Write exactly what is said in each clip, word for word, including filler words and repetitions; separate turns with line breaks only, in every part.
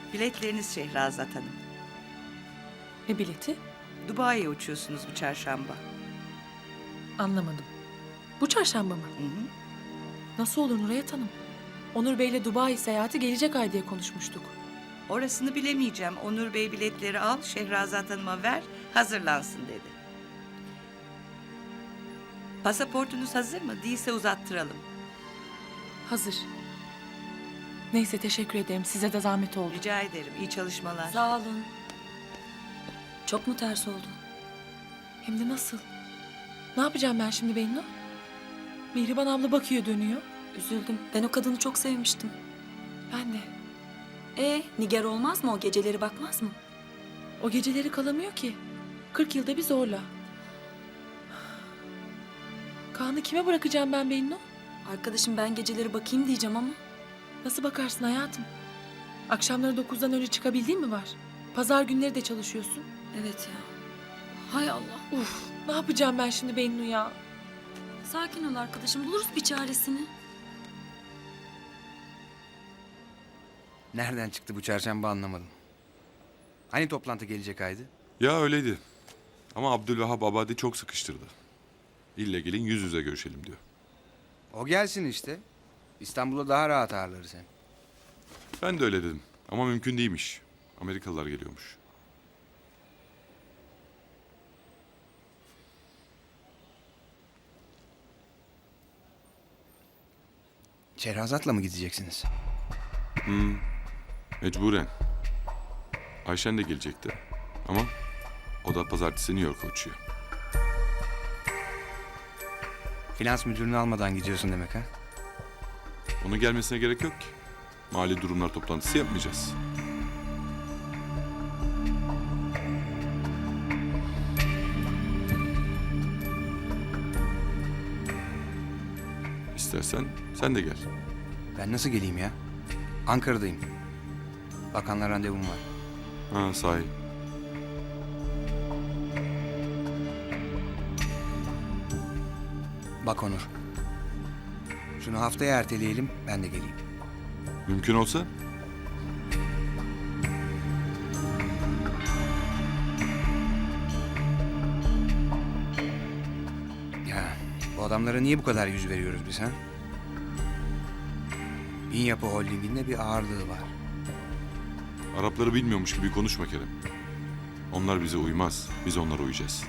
Biletleriniz Şehrazat Hanım.
Ne bileti?
Dubai'ye uçuyorsunuz bu çarşamba.
Anlamadım. Bu çarşamba mı?
Hı hı.
Nasıl olur Nurayet Hanım? Onur Bey'le Dubai seyahati gelecek ay diye konuşmuştuk.
Orasını bilemeyeceğim. Onur Bey biletleri al, Şehrazat Hanım'a ver, hazırlansın dedi. Pasaportunuz hazır mı? Değilse uzattıralım.
Hazır. Neyse teşekkür ederim. Size de zahmet oldu.
Rica ederim. İyi çalışmalar.
Sağ olun. Çok mu ters oldu?
Hem de nasıl? Ne yapacağım ben şimdi Bennu? Mihriban abla bakıyor dönüyor.
Üzüldüm. Ben o kadını çok sevmiştim.
Ben de.
E, Nigar olmaz mı o geceleri bakmaz mı?
O geceleri kalamıyor ki. Kırk yılda bir zorla. Kaan'ı kime bırakacağım ben Bennu?
Arkadaşım ben geceleri bakayım diyeceğim ama.
Nasıl bakarsın hayatım? Akşamları dokuzdan önce çıkabildiğin mi var? Pazar günleri de çalışıyorsun.
Evet ya. Hay Allah.
Uf, ne yapacağım ben şimdi Bennu ya?
Sakin ol arkadaşım. Buluruz bir çaresini.
Nereden çıktı bu çarşamba anlamadım. Hani toplantı gelecek aydı?
Ya öyleydi. Ama Abdülvahap Abadi çok sıkıştırdı. İlle gelin yüz yüze görüşelim diyor.
O gelsin işte. İstanbul'da daha rahat ağırlarız hem.
Ben de öyle dedim. Ama mümkün değilmiş. Amerikalılar geliyormuş.
Şehrazat'la mı gideceksiniz?
Mecburen. Ayşen de gelecekti. Ama o da pazartesi New York'a uçuyor.
Finans müdürünü almadan gidiyorsun demek ha?
Onun gelmesine gerek yok ki. Mali durumlar toplantısı yapmayacağız. İstersen sen de gel.
Ben nasıl geleyim ya? Ankara'dayım. Bakanla randevum var.
Ha sahi.
Bak Onur. Şunu haftaya erteleyelim, ben de geleyim.
Mümkün olsa
Ya bu adamlara niye bu kadar yüz veriyoruz biz ha? İn Yapı Holding'in de bir ağırlığı var.
Arapları bilmiyormuş gibi konuşma Kerem. Onlar bize uymaz. Biz onlara uyacağız.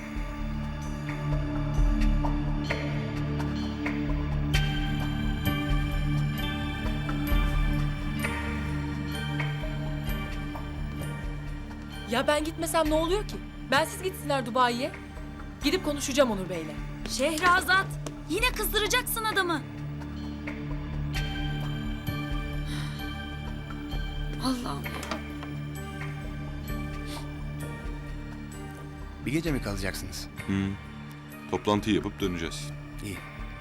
Ya ben gitmesem ne oluyor ki? Bensiz gitsinler Dubai'ye. Gidip konuşacağım Onur Bey'le.
Şehrazat. Yine kızdıracaksın adamı. Allah'ım.
Bir gece mi kalacaksınız?
Hı. Toplantıyı yapıp döneceğiz.
İyi.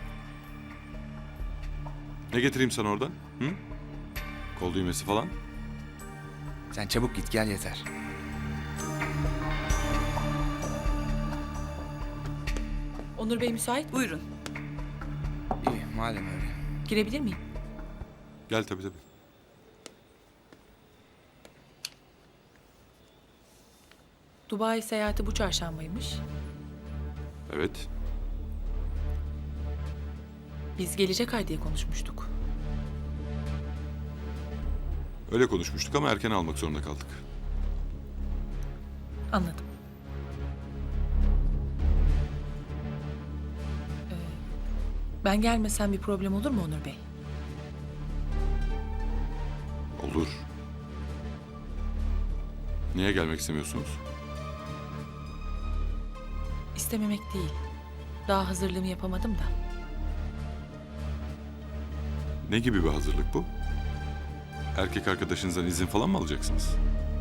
Ne getireyim sana oradan? Hı? Kol düğmesi falan?
Sen çabuk git gel yeter.
Onur Bey müsait mi?
Buyurun.
İyi madem öyle.
Girebilir miyim?
Gel tabii tabii.
Dubai seyahati bu çarşambaymış.
Evet.
Biz gelecek ay diye konuşmuştuk.
Öyle konuşmuştuk ama erken almak zorunda kaldık.
Anladım. Ee, ben gelmesem bir problem olur mu Onur Bey?
Olur. Niye gelmek istemiyorsunuz?
İstememek değil. Daha hazırlığımı yapamadım da.
Ne gibi bir hazırlık bu? Erkek arkadaşınızdan izin falan mı alacaksınız?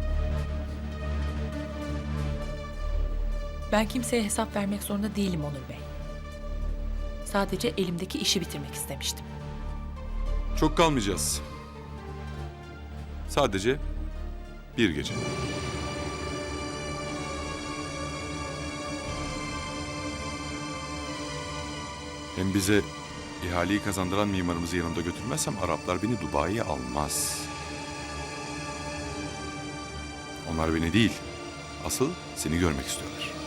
Ben kimseye hesap vermek zorunda değilim Onur Bey. Sadece elimdeki işi bitirmek istemiştim.
Çok kalmayacağız. Sadece bir gece. Hem bize ihaleyi kazandıran mimarımızı yanımda götürmezsem Araplar beni Dubai'ye almaz. Onlar beni değil, asıl seni görmek istiyorlar.